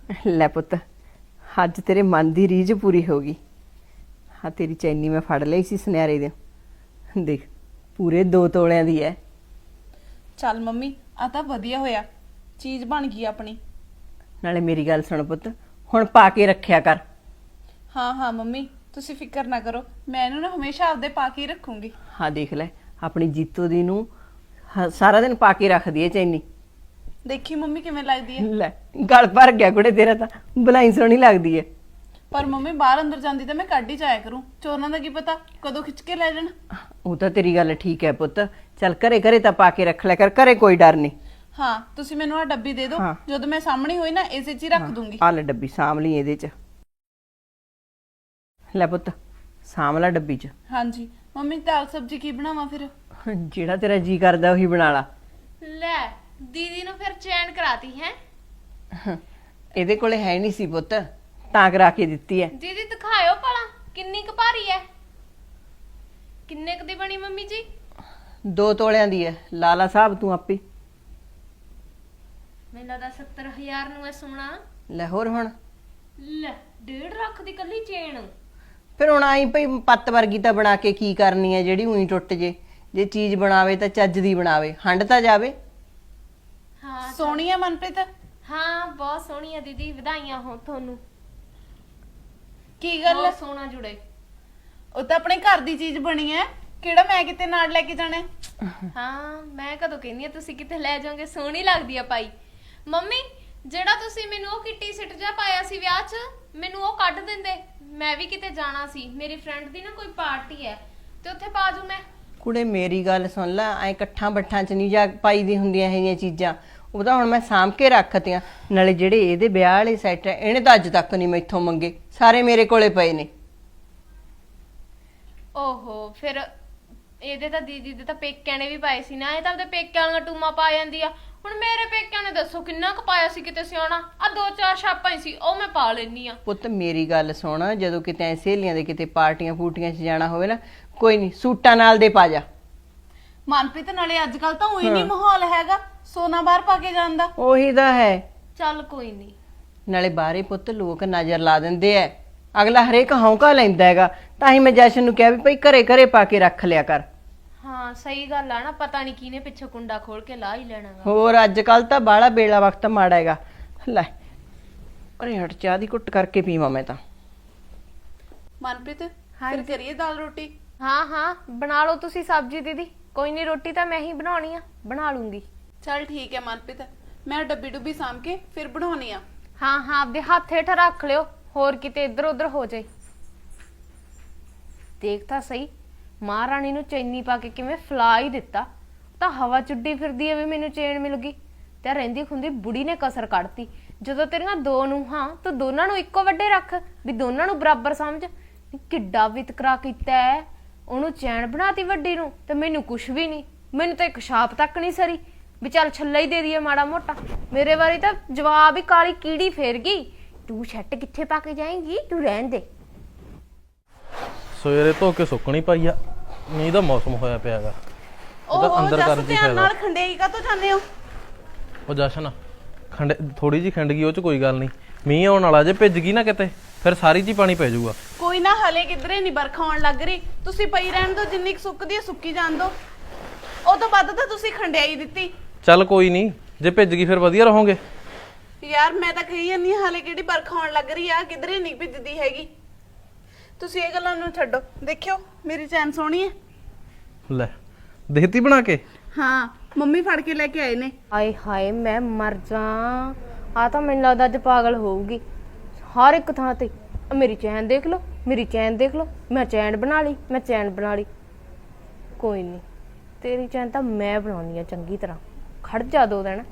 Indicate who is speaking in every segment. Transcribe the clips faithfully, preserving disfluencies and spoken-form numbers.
Speaker 1: ਲੈ ਪੁੱਤ, ਅੱਜ ਤੇਰੇ ਮਨ ਦੀ ਰੀਝ ਪੂਰੀ ਹੋ ਗਈ। ਹਾਂ, ਤੇਰੀ ਚੈਨੀ ਮੈਂ ਫੜ ਲਈ ਸੀ ਸੁਨਿਆਰੇ ਦੇ। ਦੇਖ, ਪੂਰੇ ਦੋ ਤੋਲਿਆਂ ਦੀ ਹੈ।
Speaker 2: ਚੱਲ ਮੰਮੀ, ਆ ਤਾਂ ਵਧੀਆ ਹੋਇਆ, ਚੀਜ਼ ਬਣ ਗਈ ਆਪਣੀ।
Speaker 1: ਨਾਲੇ ਮੇਰੀ ਗੱਲ ਸੁਣ ਪੁੱਤ, ਹੁਣ ਪਾ ਕੇ ਰੱਖਿਆ ਕਰ।
Speaker 2: ਹਾਂ ਹਾਂ ਮੰਮੀ, ਤੁਸੀਂ ਫਿਕਰ ਨਾ ਕਰੋ, ਮੈਂ ਇਹਨੂੰ ਨਾ ਹਮੇਸ਼ਾ ਆਪਦੇ ਪਾ ਕੇ ਹੀ ਰੱਖੂੰਗੀ।
Speaker 1: ਹਾਂ ਦੇਖ ਲੈ, ਆਪਣੀ ਜੀਤੋ ਦੀ ਨੂੰ ਹ- ਸਾਰਾ ਦਿਨ ਪਾ ਕੇ ਰੱਖਦੀ ਹੈ ਚੈਨੀ।
Speaker 2: ਦੇਖੀ ਮੰਮੀ ਕਿਵੇਂ ਲੱਗਦੀ ਹੈ।
Speaker 1: ਲੈ, ਗਲ ਭਰ ਗਿਆ ਕੁੜੇ ਤੇਰਾ ਤਾਂ, ਬਲਾਈ ਸੋਹਣੀ ਲੱਗਦੀ ਹੈ।
Speaker 2: ਪਰ ਮੰਮੀ ਬਾਹਰ ਅੰਦਰ ਜਾਂਦੀ ਤਾਂ ਮੈਂ ਕੱਢ ਹੀ ਜਾਇਆ ਕਰੂੰ, ਚੋਰਾਂ ਦਾ ਕੀ ਪਤਾ ਕਦੋਂ ਖਿੱਚ ਕੇ ਲੈ ਜਾਣ।
Speaker 1: ਉਹ ਤਾਂ ਤੇਰੀ ਗੱਲ ਠੀਕ ਹੈ ਪੁੱਤ, ਚੱਲ ਘਰੇ ਘਰੇ ਤਾਂ ਪਾ ਕੇ ਰੱਖ ਲਿਆ ਕਰ, ਘਰੇ ਕੋਈ ਡਰ ਨਹੀਂ।
Speaker 2: ਹਾਂ, ਤੁਸੀਂ ਮੈਨੂੰ ਆ ਡੱਬੀ ਦੇ ਦਿਓ,
Speaker 1: ਹਾਂ।
Speaker 2: ਜਦੋਂ ਮੈਂ ਸਾਹਮਣੇ ਹੋਈ ਨਾ ਇਸੇ 'ਚ ਹੀ ਰੱਖ ਦੂੰਗੀ।
Speaker 1: ਆ ਲੈ ਡੱਬੀ, ਸਾਂਭ ਲਈ ਇਹਦੇ 'ਚ। ਲੈ ਪੁੱਤ, ਸਾਂਭ ਲੈ ਡੱਬੀ 'ਚ।
Speaker 2: ਹਾਂਜੀ ਮੰਮੀ, ਦਾਲ ਸਬਜ਼ੀ ਕੀ ਬਣਾਵਾਂ ਫਿਰ?
Speaker 1: ਜਿਹੜਾ ਤੇਰਾ ਜੀ ਕਰਦਾ ਉਹੀ ਬਣਾ ਲਾ।
Speaker 3: ਲੈ ਦੀਦੀ ਨੂੰ ਫਿਰ ਚੈਨ ਕਰਾਤੀ ਹੈ।
Speaker 1: ਇਹਦੇ ਕੋਲੇ ਹੈ ਨਹੀਂ ਸੀ ਪੁੱਤ, ਤਾਂ ਕਰਾ ਕੇ ਦਿੱਤੀ ਹੈ।
Speaker 3: ਦੀਦੀ ਦਿਖਾਇਓ ਭਲਾ ਕਿੰਨੀ ਕੁ ਭਾਰੀ ਹੈ। ਕਿੰਨੇ ਕੁ ਦੀ ਬਣੀ ਮੰਮੀ ਜੀ?
Speaker 1: ਦੋ ਤੋਲਿਆਂ ਦੀ ਹੈ, ਲਾਲਾ ਸਾਹਿਬ ਤੂੰ ਆਪੇ।
Speaker 3: ਮੈਨੂੰ ਲੱਗਦਾ ਸੱਤਰ ਹਜ਼ਾਰ ਨੂੰ ਹੈ ਸੋਨਾ।
Speaker 1: ਲੈ ਹੋਰ ਹੁਣ
Speaker 3: ਲੈ ਡੇਢ ਲੱਖ ਦੀ ਕੱਲੀ ਚੇਨ।
Speaker 1: ਫਿਰ ਹੁਣ ਆਈ ਭਈ ਪੱਤ ਵਰਗੀ ਤਾਂ ਬਣਾ ਕੇ ਕੀ ਕਰਨੀ ਹੈ ਜਿਹੜੀ ਉਹੀ ਟੁੱਟ ਜੇ। ਜੇ ਚੀਜ਼ ਬਣਾਵੇ ਤਾਂ ਚੱਜ ਦੀ ਬਣਾਵੇ, ਹੰਡ ਤਾਂ ਜਾਵੇ।
Speaker 3: ਹਾਂ
Speaker 2: ਸੋਹਣੀ ਆ ਮਨਪ੍ਰੀਤ।
Speaker 3: ਹਾਂ ਬਹੁਤ ਸੋਹਣੀ ਹੈ ਦੀਦੀ, ਵਧਾਈਆਂ ਹੋ ਤੁਹਾਨੂੰ।
Speaker 2: ਕੀ ਗੱਲ ਹੈ?
Speaker 3: ਬਹੁਤ ਸੋਹਣਾ ਜੁੜੇ।
Speaker 2: ਉਹ ਤਾਂ ਆਪਣੇ ਘਰ ਦੀ ਚੀਜ਼ ਬਣੀ ਹੈ, ਕਿਹੜਾ ਮੈਂ ਕਿਤੇ ਨਾਲ ਲੈ ਕੇ ਜਾਣਾ ਹੈ?
Speaker 3: ਹਾਂ ਮੈਂ ਕਦੋਂ ਕਹਿੰਦੀ ਆ ਤੁਸੀਂ ਕਿਤੇ ਲੈ ਜਾਓਗੇ, ਸੋਹਣੀ ਲੱਗਦੀ ਆ ਪਾਈ। ਮੰਮੀ ਜਿਹੜਾ ਤੁਸੀਂ ਮੈਨੂੰ ਉਹ ਕਿੱਟੀ ਸਿੱਟ ਜਾ ਪਾਇਆ ਸੀ ਵਿਆਹ 'ਚ, ਮੈਨੂੰ ਉਹ ਕੱਢ ਦਿੰਦੇ, ਮੈਂ ਵੀ ਕਿਤੇ ਜਾਣਾ ਸੀ, ਮੇਰੀ ਫਰੈਂਡ ਦੀ ਨਾ ਕੋਈ ਪਾਰਟੀ ਹੈ ਤੇ ਉੱਥੇ ਪਾ ਜੂ ਮੈਂ।
Speaker 1: ਕੁੜੇ ਮੇਰੀ ਗੱਲ ਸੁਣ ਲੈ, ਐ ਇਕੱਠਾਂ ਬੱਠਾਂ 'ਚ ਨਹੀਂ ਜਾ ਪਾਈ ਦੀ ਹੁੰਦੀਆਂ ਇਹ ਜਿਹੀਆਂ ਚੀਜ਼ਾਂ। ਉਹ ਤਾਂ ਹੁਣ ਮੈਂ ਸਾਂਭ ਕੇ ਰੱਖਤੀਆਂ। ਨਾਲੇ ਜਿਹੜੇ ਇਹਦੇ ਵਿਆਹ ਵਾਲੇ ਸੈੱਟ ਹੈ, ਇਹਨੇ ਤਾਂ ਅੱਜ ਤੱਕ ਨਹੀਂ ਮੈਥੋਂ ਮੰਗੇ, ਸਾਰੇ ਮੇਰੇ ਕੋਲੇ ਪਏ ਨੇ।
Speaker 3: ਓਹੋ, ਫਿਰ ਇਹਦੇ ਤਾਂ ਦੀਦੀ ਦੇ ਤਾਂ ਪੇਕਿਆਂ ਨੇ ਵੀ ਪਾਏ ਸੀ ਨਾ, ਇਹ ਤਾਂ ਆਪਦੇ ਪੇਕਿਆਂ ਵਾਲੀਆਂ ਟੂਮਾਂ ਪਾ ਜਾਂਦੀ ਆ। ਹੁਣ ਮੇਰੇ ਪੇਕਿਆਂ ਨੇ ਦੱਸੋ ਕਿੰਨਾ ਕੁ ਪਾਇਆ ਸੀ ਕਿਤੇ ਸਿਆਣਾ, ਆ ਦੋ ਚਾਰ ਛਾਪਾਂ ਹੀ ਸੀ, ਉਹ ਮੈਂ ਪਾ ਲੈਣੀ ਆ।
Speaker 1: ਪੁੱਤ ਮੇਰੀ ਗੱਲ ਸੁਣ, ਜਦੋਂ ਕਿਤੇ ਐ ਸਹੇਲੀਆਂ ਦੇ ਕਿਤੇ ਪਾਰਟੀਆਂ ਫੂਟੀਆਂ 'ਚ ਜਾਣਾ ਹੋਵੇ ਨਾ, ਕੋਈ ਨਹੀਂ ਸੂਟਾਂ ਨਾਲ ਦੇ ਪਾ ਜਾ।
Speaker 2: ਮਨਪ੍ਰੀਤ ਨਾਲੇ ਅੱਜ ਕੱਲ ਤਾਂ ਉਹੀ ਨਹੀਂ ਮਾਹੌਲ ਹੈਗਾ ਸੋਨਾ ਬਾਹਰ ਪਾ ਕੇ ਜਾਣ ਦਾ।
Speaker 1: ਉਹੀ ਤਾਂ ਹੈ।
Speaker 3: ਚੱਲ ਕੋਈ ਨਹੀਂ।
Speaker 1: ਨਾਲੇ ਬਾਹਰੇ ਪੁੱਤ ਲੋਕ ਨਜ਼ਰ ਲਾ ਦਿੰਦੇ ਐ, ਅਗਲਾ ਹਰੇਕ ਹੌਂਕਾ ਲੈਂਦਾ ਹੈਗਾ। ਤਾਂ ਹੀ ਮੈਂ ਜਸ਼ਨ ਨੂੰ ਕਿਹਾ ਵੀ ਭਾਈ ਘਰੇ ਘਰੇ ਪਾ ਕੇ ਰੱਖ ਲਿਆ ਕਰ।
Speaker 3: ਹਾਂ ਸਹੀ ਗੱਲ ਆ ਨਾ, ਪਤਾ ਨਹੀਂ ਕਿਹਨੇ ਪਿੱਛੇ ਕੁੰਡਾ ਖੋਲ ਕੇ ਲਾ ਹੀ ਲੈਣਾ ਗਾ।
Speaker 1: ਹੋਰ ਅੱਜ ਕੱਲ ਤਾਂ ਬਾਹਲਾ ਬੇਲਾ ਵਕਤ ਮਾੜਾ ਹੈਗਾ। ਲੈ ਅਰੇ ਹਟ, ਚਾਹ ਦੀ ਘੁੱਟ ਕਰਕੇ ਪੀਵਾਂ ਮੈਂ ਤਾਂ।
Speaker 2: ਮਨਪ੍ਰੀਤ ਫਿਰ ਕਰੀਏ ਦਾਲ ਰੋਟੀ?
Speaker 3: ਹਾਂ ਹਾਂ ਬਣਾ ਲਓ ਤੁਸੀਂ ਸਬਜ਼ੀ ਦੀਦੀ, ਕੋਈ ਨਹੀਂ ਰੋਟੀ ਤਾਂ ਮੈਂ ਹੀ ਬਣਾਉਣੀ ਆ, ਬਣਾ ਲੂੰਗੀ।
Speaker 2: ਚੱਲ ਠੀਕ ਹੈ ਮਨਪ੍ਰੀਤ, ਮੈਂ ਡੱਬੀ ਡੁੱਬੀ ਸਾਂਭ ਕੇ ਫਿਰ ਬਣਾਉਣੀ ਆ।
Speaker 3: ਹਾਂ ਹਾਂ ਆਪਦੇ ਹੱਥ ਹੇਠ ਰੱਖ ਲਿਓ, ਹੋਰ ਕਿਤੇ ਇੱਧਰ ਉੱਧਰ ਹੋ ਜਾਏ। ਦੇਖ ਤਾਂ ਸਹੀ, ਮਹਾਰਾਣੀ ਨੂੰ ਚੈਨੀ ਪਾ ਕੇ ਕਿਵੇਂ ਫਲਾ ਹੀ ਦਿੱਤਾ। ਤਾਂ ਹਵਾ ਚੁੱਡੀ ਫਿਰਦੀ ਹੈ ਵੀ ਮੈਨੂੰ ਚੈਨ ਮਿਲ ਗਈ, ਤੇ ਰਹਿੰਦੀ ਖੁੰਦੀ ਬੁੜੀ ਨੇ ਕਸਰ ਕੱਢਤੀ। ਜਦੋਂ ਤੇਰੀਆਂ ਦੋ ਨੂੰ ਹਾਂ ਤੂੰ ਦੋਨਾਂ ਨੂੰ ਇੱਕੋ ਵੱਡੇ ਰੱਖ, ਵੀ ਦੋਨਾਂ ਨੂੰ ਬਰਾਬਰ ਸਮਝ। ਕਿੱਡਾ ਵਿਤਕਰਾ ਕੀਤਾ ਹੈ, ਉਹਨੂੰ ਚੈਨ ਬਣਾਤੀ ਵੱਡੀ ਨੂੰ ਤੇ ਮੈਨੂੰ ਕੁਛ ਵੀ ਨਹੀਂ। ਮੈਨੂੰ ਤਾਂ ਇੱਕ ਛਾਪ ਤੱਕ ਨਹੀਂ ਸਰੀ ਵੀ ਚੱਲ ਛੱਲਾ ਹੀ ਦੇ ਦਈਏ ਮਾੜਾ ਮੋਟਾ। ਮੇਰੇ ਵਾਰੀ ਤਾਂ ਜਵਾਬ ਹੀ ਕਾਲੀ ਕੀੜੀ ਫੇਰ ਗਈ, ਤੂੰ ਛੱਟ ਕਿੱਥੇ ਪਾ ਕੇ ਜਾਏਂਗੀ, ਤੂੰ ਰਹਿਣ ਦੇ।
Speaker 4: ਸਵੇਰੇ ਧੋ ਕੇ ਸੁੱਕਣੀ ਪਾਈ ਆ, ਮੀਂਹ ਦਾ ਮੌਸਮ ਹੋਇਆ ਪਿਆਗਾ।
Speaker 2: ਉਹ
Speaker 4: ਅੰਦਰ
Speaker 2: ਜਸ
Speaker 4: ਕਰਨ ਦੀ
Speaker 2: ਧਿਆਨ
Speaker 4: ਫਾਇਦਾ।
Speaker 2: ਨਾਲ ਖੰਡੇਈ ਕਾ ਤੋਂ ਜਾਂਦੇ ਹੋ?
Speaker 4: ਉਹ ਜਸ਼ਨ ਖੰਡ ਥੋੜੀ ਜੀ ਖਿੰਡ ਗਈ, ਉਹ ਚ ਕੋਈ ਗੱਲ ਨਹੀਂ। ਮੀਂਹ ਆਉਣ ਵਾਲਾ, ਜੇ ਭਿੱਜ ਗਈ ਨਾ ਕਿਤੇ ਫਿਰ ਸਾਰੀ ਜੀ ਪਾਣੀ ਪੈ ਜਾਊਗਾ।
Speaker 2: ਕੋਈ ਨਾ, ਹਲੇ ਕਿਧਰੇ ਨਹੀਂ ਬਰਖਾ ਆਉਣ ਲੱਗ ਰਹੀ, ਤੁਸੀਂ ਪਈ ਰਹਿਣ ਦਿਓ, ਜਿੰਨੀ ਕੁ ਸੁੱਕਦੀ ਹੈ ਸੁੱਕੀ ਜਾਣ ਦਿਓ। ਉਹ ਤੋਂ ਵੱਧ ਤਾਂ ਤੁਸੀਂ ਖੰਡਿਆਈ ਦਿੱਤੀ।
Speaker 4: ਚੱਲ ਕੋਈ ਨਹੀਂ, ਜੇ ਭਿੱਜ ਗਈ ਫਿਰ ਵਧੀਆ ਰਹੋਗੇ।
Speaker 2: ਯਾਰ ਮੈਂ ਤਾਂ ਕਹੀ ਜਾਂਦੀ ਹਾਂ, ਹਲੇ ਕਿਹੜੀ ਬਰਖਾ ਆਉਣ ਲੱਗ ਰਹੀ ਆ, ਕਿਧਰੇ ਨਹੀਂ ਭਿੱਜਦੀ ਹੈਗੀ। ਤੁਸੀਂ ਇਹ ਗੱਲਾਂ ਨੂੰ ਛੱਡੋ, ਦੇਖਿਓ ਮੇਰੀ ਚੈਨ ਸੋਹਣੀ ਹੈ।
Speaker 4: ਲੈ ਦੇਤੀ ਬਣਾ ਕੇ?
Speaker 2: ਹਾਂ ਮੰਮੀ ਫੜ ਕੇ ਲੈ ਕੇ ਆਏ ਨੇ।
Speaker 3: ਹਾਏ ਹਾਏ ਮੈਂ ਮਰ ਜਾ, ਆ ਤਾਂ ਮੈਨੂੰ ਲੱਗਦਾ ਅੱਜ ਪਾਗਲ ਹੋਊਗੀ। ਹਰ ਇੱਕ ਥਾਂ ਤੇ ਮੇਰੀ ਚੈਨ ਦੇਖ ਲਓ, ਮੇਰੀ ਚੈਨ ਦੇਖ ਲਓ, ਮੈਂ ਚੈਨ ਬਣਾ ਲਈ, ਮੈਂ ਚੈਨ ਬਣਾ ਲਈ। ਕੋਈ ਨਹੀਂ, ਤੇਰੀ ਚੈਨ ਤਾਂ ਮੈਂ ਬਣਾਉਣੀ ਆ ਚੰਗੀ ਤਰ੍ਹਾਂ, ਖੜ ਜਾ ਦੋ ਦਿਨ।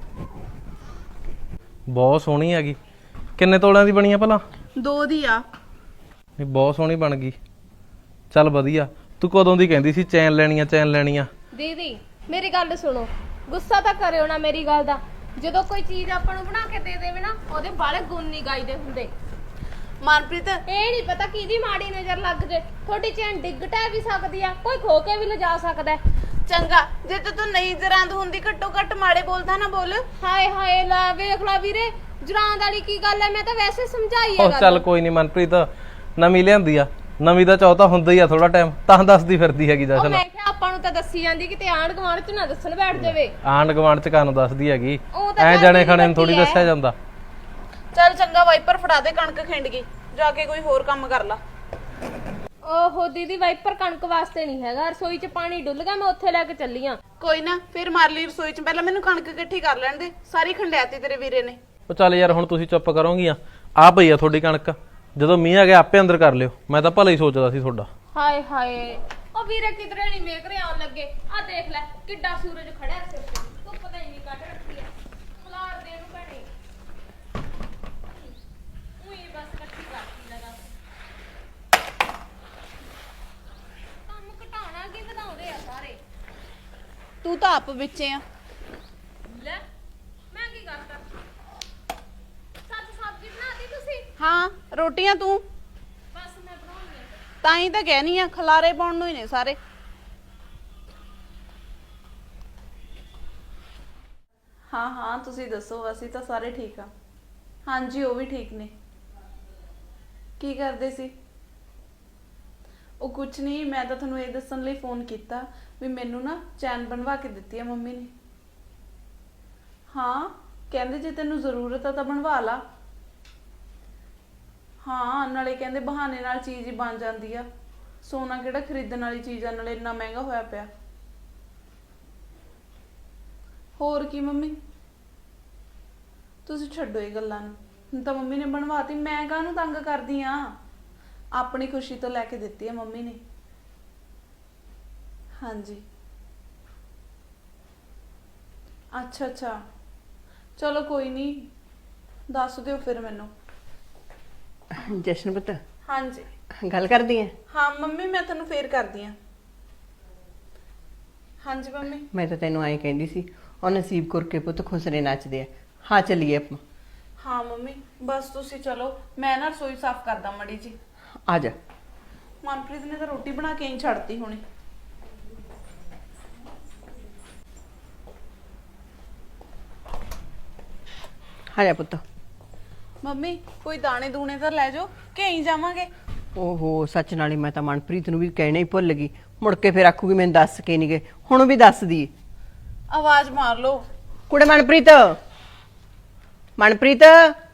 Speaker 4: ਬਹੁਤ ਸੋਹਣੀ ਹੈਗੀ। ਕਿੰਨੇ ਤੋਲਿਆਂ ਦੀ ਬਣੀ ਆ ਭਲਾ?
Speaker 2: ਦੋ ਦੀ ਆ।
Speaker 4: ਨਹੀਂ ਬਹੁਤ ਸੋਹਣੀ ਬਣ ਗਈ। ਚੱਲ ਵਧੀਆ। ਤੂੰ ਕਦੋਂ ਦੀ ਕਹਿੰਦੀ ਸੀ ਚੈਨ ਲੈਣੀ ਆ, ਚੈਨ ਲੈਣੀ ਆ?
Speaker 3: ਦੀਦੀ ਮੇਰੀ ਗੱਲ ਸੁਣੋ, ਗੁੱਸਾ ਤਾਂ ਕਰਿਓ ਨਾ ਮੇਰੀ ਗੱਲ ਦਾ। ਜਦੋਂ ਕੋਈ ਚੀਜ਼ ਆਪਾਂ ਨੂੰ ਬਣਾ ਕੇ ਦੇ ਦੇਵੇ ਨਾ, ਉਹਦੇ ਬਾਲੇ ਗੁਣ ਨਹੀਂ ਗਾਈਦੇ ਹੁੰਦੇ।
Speaker 2: ਮਨਪ੍ਰੀਤ
Speaker 3: ਇਹ ਨਹੀਂ ਪਤਾ ਕਿਹਦੀ ਮਾੜੀ ਨਜ਼ਰ ਲੱਗ ਜੇ, ਤੁਹਾਡੀ ਚੈਨ ਡਿੱਗ ਟੈ ਵੀ ਸਕਦੀ ਆ, ਕੋਈ ਖੋ ਕੇ ਵੀ ਲਿਜਾ ਸਕਦਾ।
Speaker 2: ਚੰਗਾ, ਜੇ ਤੂੰ ਨਹੀਂ ਜਰਾਂਦ ਹੁੰਦੀ ਘੱਟੋ ਘੱਟ ਮਾੜੇ ਬੋਲਦਾ ਨਾ ਬੋਲ।
Speaker 3: ਹਾਏ ਹਾਏ ਲਾ ਵੇਖ ਲਾ ਵੀਰੇ, ਜੁਰਾਨ ਵਾਲੀ ਕੀ ਗੱਲ ਹੈ? ਮੈਂ ਤਾਂ ਵੈਸੇ ਸਮਝਾਈ ਹੈ
Speaker 4: ਉਹ ਚੱਲ ਕੋਈ ਨਹੀਂ ਮਨਪ੍ਰੀਤ, ਨਵੀਂ ਲਿਆਂਦੀ ਆ, ਨਵੀਂ ਦਾ ਚੌਥਾ ਹੁੰਦਾ ਹੀ ਆ ਥੋੜਾ ਟਾਈਮ, ਤਾਂ ਦੱਸਦੀ ਫਿਰਦੀ ਹੈਗੀ
Speaker 3: ਉਹ
Speaker 4: ਜਸ਼ਨ।
Speaker 3: ਮੈਂ ਕਿਹਾ ਆਪਾਂ ਨੂੰ ਤਾਂ ਦੱਸੀ ਜਾਂਦੀ ਕਿਤੇ ਆਂਢ ਗੁਆਂਢ ਚ ਨਾ ਦੱਸਣ ਬੈਠ ਜਾਵੇ।
Speaker 4: ਆਂਢ ਗੁਆਂਢ ਚ ਕਾਨੂੰ ਦੱਸਦੀ ਹੈਗੀ,
Speaker 3: ਉਹ ਤਾਂ
Speaker 4: ਐ
Speaker 3: ਗੱਲ
Speaker 4: ਜਾਣੇ
Speaker 3: ਮੇਰੀ
Speaker 4: ਖਾਣੇ ਨੂੰ ਥੋੜੀ
Speaker 3: ਵੱਡੀ ਐ।
Speaker 4: ਦੱਸਿਆ ਜਾਂਦਾ।
Speaker 2: ਚੱਲ ਚੰਗਾ ਵਾਈਪਰ ਫੜਾ ਦੇ, ਕਣਕ ਖਿੰਡ ਗਈ, ਜਾ ਕੇ ਕੋਈ ਹੋਰ ਕੰਮ ਕਰ ਲਾ।
Speaker 3: ਓਹੋ ਦੀਦੀ, ਵਾਈਪਰ ਕਣਕ ਵਾਸਤੇ ਨਹੀਂ ਹੈਗਾ, ਰਸੋਈ 'ਚ ਪਾਣੀ ਡੁੱਲ ਗਿਆ, ਮੈਂ ਉੱਥੇ ਲੈ ਕੇ ਚੱਲੀ ਆ।
Speaker 2: ਕੋਈ ਨਾ, ਫਿਰ ਮਾਰ ਲਈ ਰਸੋਈ ਚ, ਪਹਿਲਾਂ ਮੈਨੂੰ ਕਣਕ ਇਕੱਠੀ ਕਰ ਲੈਣ ਦੇ, ਸਾਰੀ ਖੰਡਿਆਤੀ ਤੇਰੇ ਵੀਰੇ ਨੇ।
Speaker 4: ਉਹ ਚੱਲ ਯਾਰ ਹੁਣ ਤੁਸੀਂ ਚੁੱਪ ਕਰੋਗੀਆਂ, ਆ ਪਈ ਆ ਤੁਹਾਡੀ ਕਣਕ, ਜਦੋਂ ਮੀਂਹ ਆ ਗਿਆ ਆਪੇ ਅੰਦਰ ਕਰ ਲਿਓ, ਮੈਂ ਤਾਂ ਭਲਾ ਹੀ ਸੋਚਦਾ ਸੀ ਤੁਹਾਡਾ।
Speaker 3: ਹਾਏ ਹਾਏ, ਉਹ ਵੀਰੇ ਕਿਧਰੇ ਨਹੀਂ ਵੇਖ ਰਹੇ ਆਉਣ ਲੱਗੇ। ਆ ਦੇਖ ਲੈ ਕਿੱਡਾ ਸੂਰਜ ਖੜਿਆ ਸਿਰ ਤੇ, ਤੂੰ ਪਤਾ ਹੀ ਨਹੀਂ ਕੱਢ ਰੱਖੀ ਆ। ਖਲਾਰ ਦੇ ਨੂੰ ਭੈਣੇ, ਉਹੀ ਬਸ ਇਕੱਠੀ ਕਰਤੀ ਲਗਾ। ਕੰਮ ਘਟਾਉਣਾ ਕੀ ਵਧਾਉਂਦੇ ਆ ਸਾਰੇ।
Speaker 2: ਤੂੰ ਤਾਂ ਆਪ ਵਿੱਚੇ ਆ।
Speaker 3: ਲੈ ਮੈਂ ਕੀ ਕਰਤਾ? ਸੱਚ ਸਬਜ਼ੀ ਬਣਾਤੀ ਤੁਸੀਂ?
Speaker 2: ਹਾਂ, ਰੋਟੀਆਂ ਤੂੰ।
Speaker 3: ਬਸ ਮੈਂ ਬਣਾਉਣੀ ਆ।
Speaker 2: ਤਾਂ ਹੀ ਤਾਂ ਕਹਿਨੀ ਆ, ਖਲਾਰੇ ਪਾਉਣ ਨੂੰ ਹੀ ਨੇ ਸਾਰੇ। ਹਾਂ ਹਾਂ, ਤੁਸੀਂ ਦੱਸੋ, ਅਸੀਂ ਤਾਂ ਸਾਰੇ ਠੀਕ ਆ। ਹਾਂਜੀ, ਉਹ ਵੀ ਠੀਕ ਨੇ। ਕੀ ਕਰਦੇ ਸੀ? ਉਹ ਕੁਛ ਨਹੀਂ, ਮੈਂ ਤਾਂ ਤੁਹਾਨੂੰ ਇਹ ਦੱਸਣ ਲਈ ਫੋਨ ਕੀਤਾ ਵੀ ਮੈਨੂੰ ਨਾ ਚੈਨ ਬਣਵਾ ਕੇ ਦਿੱਤੀ ਆ ਮੰਮੀ ਨੇ। ਹਾਂ, ਕਹਿੰਦੇ ਜੇ ਤੈਨੂੰ ਜ਼ਰੂਰਤ ਆ ਤਾਂ ਬਣਵਾ ਲਾ। ਹਾਂ, ਨਾਲੇ ਕਹਿੰਦੇ ਬਹਾਨੇ ਨਾਲ ਚੀਜ਼ ਹੀ ਬਣ ਜਾਂਦੀ ਆ, ਸੋਨਾ ਕਿਹੜਾ ਖਰੀਦਣ ਵਾਲੀ ਚੀਜ਼ ਆ, ਨਾਲੇ ਇੰਨਾ ਮਹਿੰਗਾ ਹੋਇਆ ਪਿਆ। ਹੋਰ ਕੀ ਮੰਮੀ, ਤੁਸੀਂ ਛੱਡੋ ਇਹ ਗੱਲਾਂ ਨੂੰ, ਹੁਣ ਤਾਂ ਮੰਮੀ ਨੇ ਬਣਵਾਤੀ, ਮੈਂ ਕਾਹਨੂੰ ਤੰਗ ਕਰਦੀ ਆ। ਆਪਣੀ ਖੁਸ਼ੀ ਤੋਂ ਲੈ ਕੇ ਦਿੱਤੀ ਆ ਮੰਮੀ ਨੇ। ਹਾਂਜੀ, ਅੱਛਾ ਅੱਛਾ, ਚਲੋ ਕੋਈ ਨਹੀਂ, ਦੱਸ ਦਿਓ ਫਿਰ ਮੈਨੂੰ।
Speaker 1: ਜਸ਼ਨ ਪੁੱਤ,
Speaker 2: ਹਾਂਜੀ
Speaker 1: ਗੱਲ ਕਰਦੀ ਐ?
Speaker 2: ਹਾਂ ਮੰਮੀ, ਮੈਂ ਤੁਹਾਨੂੰ ਫੇਰ ਕਰਦੀ ਆ। ਹਾਂਜੀ ਮੰਮੀ।
Speaker 1: ਮੈਂ ਤਾਂ ਤੈਨੂੰ ਐਂ ਕਹਿੰਦੀ ਸੀ, ਉਹ ਨਸੀਬ ਕੌਰ ਕੇ ਪੁੱਤ ਖੁਸਰੇ ਨੱਚਦੇ ਆ। ਹਾਂ ਚੱਲੀਏ ਆਪਾਂ।
Speaker 2: ਹਾਂ ਮੰਮੀ, ਬਸ ਤੁਸੀਂ ਚਲੋ, ਮੈਂ ਨਾ ਰਸੋਈ ਸਾਫ਼ ਕਰਦਾ ਮੜੀ ਜੀ।
Speaker 1: ਆ ਜਾ।
Speaker 2: ਮਨਪ੍ਰੀਤ ਨੇ ਤਾਂ ਰੋਟੀ ਬਣਾ ਕੇ ਹੀ ਛੱਡਤੀ ਹੁਣੇ।
Speaker 1: ਆ ਜਾ ਪੁੱਤ।
Speaker 2: ਮੰਮੀ, ਕੋਈ ਦਾਣੇ ਦੂਣੇ ਤਾਂ ਲੈ ਜਾਓ ਕਿ ਐਂ ਜਾਵਾਂਗੇ?
Speaker 1: ਓਹੋ, ਸੱਚ, ਨਾਲੇ ਮੈਂ ਤਾਂ ਮਨਪ੍ਰੀਤ ਨੂੰ ਵੀ ਕਹਿਣਾ ਹੀ ਭੁੱਲ ਗਈ, ਮੁੜ ਕੇ ਫਿਰ ਆਖੂਗੀ ਮੈਨੂੰ ਦੱਸ ਕੇ ਨਹੀਂ ਗਏ, ਹੁਣ ਵੀ ਦੱਸ ਦੀ।
Speaker 2: ਆਵਾਜ਼ ਮਾਰ ਲਓ।
Speaker 1: ਕੁੜੇ ਮਨਪ੍ਰੀਤ, ਮਨਪ੍ਰੀਤ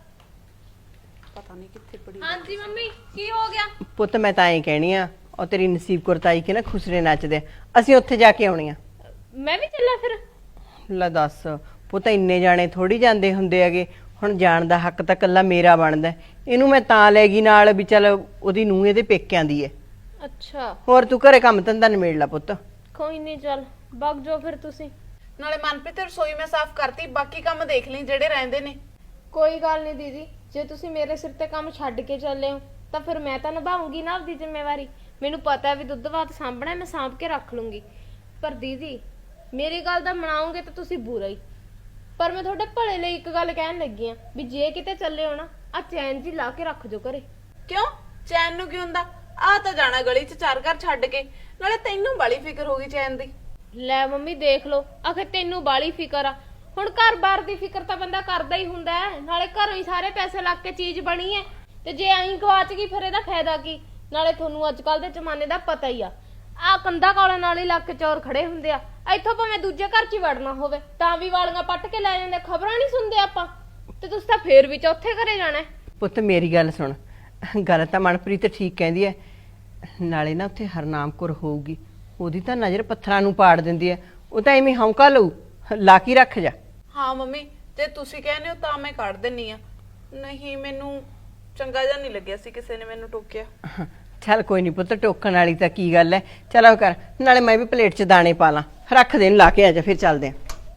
Speaker 2: ਪਤਾ ਨਹੀਂ ਕਿੱਥੇ ਪੜੀ।
Speaker 3: ਹਾਂਜੀ ਮੰਮੀ, ਕੀ ਹੋ ਗਿਆ?
Speaker 1: ਪੁੱਤ, ਮੈਂ ਤਾਂ ਐਂ ਕਹਿਣੀ ਆ, ਉਹ ਤੇਰੀ ਨਸੀਬ ਕੌਰ ਤਾਈ ਕੇ ਨਾ ਖੁਸਰੇ ਨੱਚਦੇ ਆ, ਅਸੀਂ ਉੱਥੇ ਜਾ ਕੇ ਆਉਣੀ ਆ।
Speaker 3: ਮੈਂ ਵੀ ਚੱਲਾਂ ਫਿਰ?
Speaker 1: ਲੈ ਦੱਸ ਪੁੱਤ, ਇੰਨੇ ਜਾਣੇ ਥੋੜੀ ਜਾਂਦੇ ਹੁੰਦੇ ਹੈਗੇ, ਹੁਣ ਜਾਣ ਦਾ ਹੱਕ ਤਾਂ ਕੱਲਾ ਮੇਰਾ ਬਣਦਾ। ਇਹਨੂੰ ਮੈਂ ਤਾਂ ਲੈ ਗਈ ਨਾਲ ਵੀ ਚੱਲ ਉਹਦੀ ਨੂੰਹ ਇਹਦੇ ਪੇਕਿਆਂ ਦੀ ਹੈ।
Speaker 3: ਅੱਛਾ,
Speaker 1: ਹੋਰ ਤੂੰ ਘਰੇ ਕੰਮ ਧੰਦਾ ਨਿਬੇੜ ਲਾ ਪੁੱਤ।
Speaker 3: ਕੋਈ ਨਹੀਂ, ਚੱਲ ਵਗ ਜਾਓ ਫਿਰ ਤੁਸੀਂ।
Speaker 2: ਨਾਲੇ ਮਨਪ੍ਰੀਤ, ਰਸੋਈ ਮੈਂ ਸਾਫ਼ ਕਰਤੀ, ਬਾਕੀ ਕੰਮ ਦੇਖ ਲਈ ਜਿਹੜੇ ਰਹਿੰਦੇ ਨੇ।
Speaker 3: ਕੋਈ ਗੱਲ ਨਹੀਂ ਦੀਦੀ, ਜੇ ਤੁਸੀਂ ਮੇਰੇ ਸਿਰ ਤੇ ਕੰਮ ਛੱਡ ਕੇ ਚੱਲੇ ਹੋ ਤਾਂ ਫਿਰ ਮੈਂ ਤਾਂ ਨਿਭਾਉਂਗੀ ਨਾ ਆਪਦੀ ਜ਼ਿੰਮੇਵਾਰੀ। ਮੈਨੂੰ ਪਤਾ ਵੀ ਦੁੱਧ ਬਾਤ ਸਾਂਭਣਾ, ਮੈਂ ਸਾਂਭ ਕੇ ਰੱਖ ਲੂੰਗੀ। ਪਰ ਦੀਦੀ, ਮੇਰੀ ਗੱਲ ਦਾ ਮਨਾਓਗੇ ਤਾਂ ਤੁਸੀਂ ਬੁਰਾ ਹੀ। ਪਰ ਮੈਂ ਤੁਹਾਡੇ ਭਲੇ ਲਈ ਇੱਕ ਗੱਲ ਕਹਿਣ ਲੱਗੀ ਆ ਵੀ ਜੇ ਕਿਤੇ ਚੱਲੇ ਹੋ ਨਾ, ਆ ਚੈਨ ਜੀ ਲਾ ਕੇ ਰੱਖ ਜੋ ਘਰੇ।
Speaker 2: ਕਿਉਂ? ਚੈਨ ਨੂੰ ਕੀ ਹੁੰਦਾ? ਆ ਤਾਂ ਜਾਣਾ ਗਲੀ 'ਚ ਚਾਰ ਘਰ ਛੱਡ ਕੇ, ਨਾਲੇ ਤੈਨੂੰ ਬਾਲੀ ਫਿਕਰ ਹੋ ਗਈ ਚੈਨ ਦੀ।
Speaker 3: ਲੈ ਮੰਮੀ ਦੇਖ ਲਓ, ਆਖੇ ਤੈਨੂੰ ਬਾਲੀ ਫਿਕਰ ਆ। ਹੁਣ ਘਰ-ਬਾਰ ਦੀ ਫਿਕਰ ਤਾਂ ਬੰਦਾ ਕਰਦਾ ਹੀ ਹੁੰਦਾ ਹੈ, ਨਾਲੇ ਘਰੋਂ ਹੀ ਸਾਰੇ ਪੈਸੇ ਲੱਗ ਕੇ ਚੀਜ਼ ਬਣੀ ਹੈ, ਤੇ ਜੇ ਐਂ ਗਵਾਚ ਗਈ ਫਿਰ ਇਹਦਾ ਫਾਇਦਾ ਕੀ? ਨਾਲੇ ਤੁਹਾਨੂੰ ਅੱਜ ਕੱਲ ਦੇ ਜ਼ਮਾਨੇ ਦਾ ਪਤਾ ਹੀ ਆ, ਆ ਕੰਧਾ ਕੋਲਾਂ ਨਾਲ ਹੀ ਲੱਗ ਕੇ ਚੋਰ ਖੜੇ ਹੁੰਦੇ ਆ। ਇੱਥੋਂ ਭਾਵੇਂ ਦੂਜੇ ਘਰ 'ਚ ਹੀ ਵੜਨਾ ਹੋਵੇ ਤਾਂ ਵੀ ਵਾਲੀਆਂ ਪੱਟ ਕੇ ਲੈ ਜਾਂਦੇ। ਖਬਰਾਂ ਨਹੀਂ ਸੁਣਦੇ ਆਪਾਂ, ਤੇ ਤੁਸੀਂ ਤਾਂ ਫੇਰ ਵੀ ਚੌਥੇ ਘਰੇ ਜਾਣਾ।
Speaker 1: ਪੁੱਤ ਮੇਰੀ ਗੱਲ ਸੁਣ, ਗੱਲ ਤਾਂ ਮਨਪ੍ਰੀਤ ਠੀਕ ਕਹਿੰਦੀ ਹੈ, ਨਾਲੇ ਨਾ ਉੱਥੇ ਹਰਨਾਮ ਕੌਰ ਹੋਊਗੀ, ਉਹਦੀ ਤਾਂ ਨਜ਼ਰ ਪੱਥਰਾਂ ਨੂੰ ਪਾੜ ਦਿੰਦੀ ਹੈ, ਉਹ ਤਾਂ ਐਵੇਂ ਹੌਂਕਾ ਲਊ, ਲਾ ਕੇ ਰੱਖ ਜਾ।
Speaker 2: ਹਾਂ ਮੰਮੀ, ਜੇ ਤੁਸੀਂ ਕਹਿੰਦੇ ਹੋ ਤਾਂ ਮੈਂ ਕੱਢ ਦਿੰਨੀ ਆ। ਨਹੀਂ, ਮੈਨੂੰ ਚੰਗਾ ਜਿਹਾ ਨਹੀਂ ਲੱਗਿਆ ਸੀ ਕਿਸੇ ਨੇ ਮੈਨੂੰ ਟੋਕਿਆ।
Speaker 1: ਚੱਲ ਕੋਈ ਨਹੀਂ ਪੁੱਤ, ਟੋਕਣ ਵਾਲੀ ਤਾਂ ਕੀ ਗੱਲ ਹੈ। ਚਲੋ ਕਰ, ਨਾਲੇ ਮੈਂ ਵੀ ਪਲੇਟ 'ਚ ਦਾਣੇ ਪਾ ਲਾਂ, ਰੱਖ ਦੇ, ਲਾ ਕੇ ਆ ਜਾ, ਫਿਰ ਚੱਲਦੇ ਆਂ।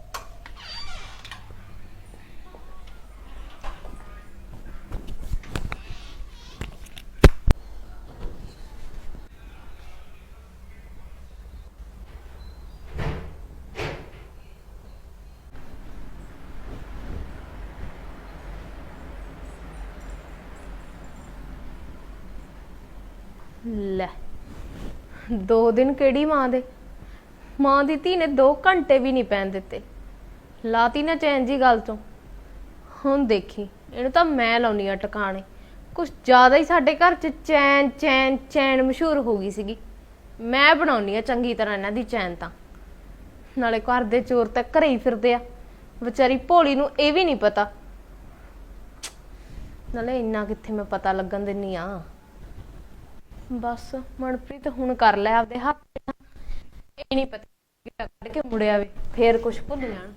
Speaker 3: ਲੈ, ਦੋ ਦਿਨ ਕਿਹੜੀ ਮਾਂ ਦੇ, ਮਾਂ ਦੀ ਧੀ ਨੇ ਦੋ ਘੰਟੇ ਵੀ ਨਹੀਂ ਪੈਣ ਦਿੱਤੇ, ਲਾਤੀ ਨਾ ਚੈਨ ਜੀ ਗੱਲ ਤੋਂ। ਹੁਣ ਦੇਖੀ ਇਹਨੂੰ ਤਾਂ ਮੈਂ ਲਾਉਣੀ ਆ ਟਿਕਾਣੇ। ਕੁਝ ਜ਼ਿਆਦਾ ਹੀ ਸਾਡੇ ਘਰ 'ਚ ਚੈਨ ਚੈਨ ਚੈਨ ਮਸ਼ਹੂਰ ਹੋ ਗਈ ਸੀਗੀ। ਮੈਂ ਬਣਾਉਣੀ ਆ ਚੰਗੀ ਤਰ੍ਹਾਂ ਇਹਨਾਂ ਦੀ ਚੈਨ। ਤਾਂ ਨਾਲੇ ਘਰ ਦੇ ਚੋਰ ਤਾਂ ਘਰੇ ਹੀ ਫਿਰਦੇ ਆ, ਵਿਚਾਰੀ ਭੋਲੀ ਨੂੰ ਇਹ ਵੀ ਨਹੀਂ ਪਤਾ। ਨਾਲੇ ਇੰਨਾ ਕਿੱਥੇ ਮੈਂ ਪਤਾ ਲੱਗਣ ਦਿੰਨੀ ਆ। ਬਸ ਮਨਪ੍ਰੀਤ ਹੁਣ ਕਰ ਲੈ ਆਪਦੇ ਹੱਥ। ਇਹ ਨਹੀਂ ਪਤਾ ਕੱਢ ਕੇ ਮੁੜਿਆ ਵੇ ਫੇਰ ਕੁਝ ਭੁੱਲ ਜਾਣ।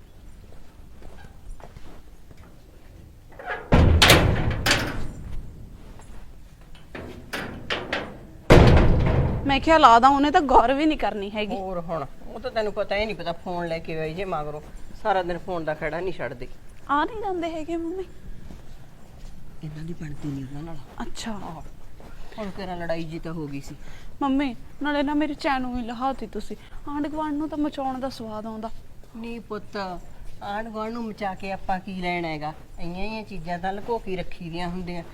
Speaker 2: ਮੈਂ ਕਿਹਾ ਲਾ ਦਾਂ, ਉਹਨੇ ਤਾਂ ਗੌਰ ਵੀ ਨਹੀਂ ਕਰਨੀ ਹੈਗੀ।
Speaker 1: ਹੋਰ ਹੁਣ ਉਹ ਤਾਂ ਤੈਨੂੰ ਪਤਾ ਹੀ ਨਹੀਂ ਪਤਾ ਫੋਨ ਲੈ ਕੇ ਆਈ ਜੇ ਮਗਰੋਂ ਸਾਰਾ ਦਿਨ ਫੋਨ ਦਾ ਖੜਾ ਨਹੀਂ ਛੱਡਦੀ।
Speaker 2: ਆ ਨਹੀਂ ਜਾਂਦੇ ਹੈਗੇ ਮੰਮੀ?
Speaker 1: ਇਹਨਾਂ ਦੀ ਬਣਦੀ ਨਹੀਂ ਉਹਨਾਂ ਨਾਲ।
Speaker 2: ਅੱਛਾ
Speaker 1: ਹੁਣ ਤੇਰਾ ਲੜਾਈ ਜੀ ਤਾਂ ਹੋ ਗਈ ਸੀ।
Speaker 2: ਮੰਮੀ ਨਾਲੇ ਨਾ ਮੇਰੀ ਚੈਨ ਨੂੰ ਵੀ ਲਹਾਤੀ ਤੁਸੀਂ। ਆਂਢ ਗੁਆਂਢ ਨੂੰ ਤਾਂ ਮਚਾਉਣ ਦਾ ਸਵਾਦ ਆਉਂਦਾ।
Speaker 1: ਨਹੀਂ ਪੁੱਤ, ਆਂਢ ਗੁਆਂਢ ਨੂੰ ਮਚਾ ਕੇ ਆਪਾਂ ਕੀ ਲੈਣਾ ਹੈਗਾ? ਇੰਨੀਆਂ ਹੀ ਚੀਜ਼ਾਂ ਤਾਂ ਲੁਕੋ ਕੇ ਰੱਖੀ ਦੀਆਂ ਹੁੰਦੀਆਂ।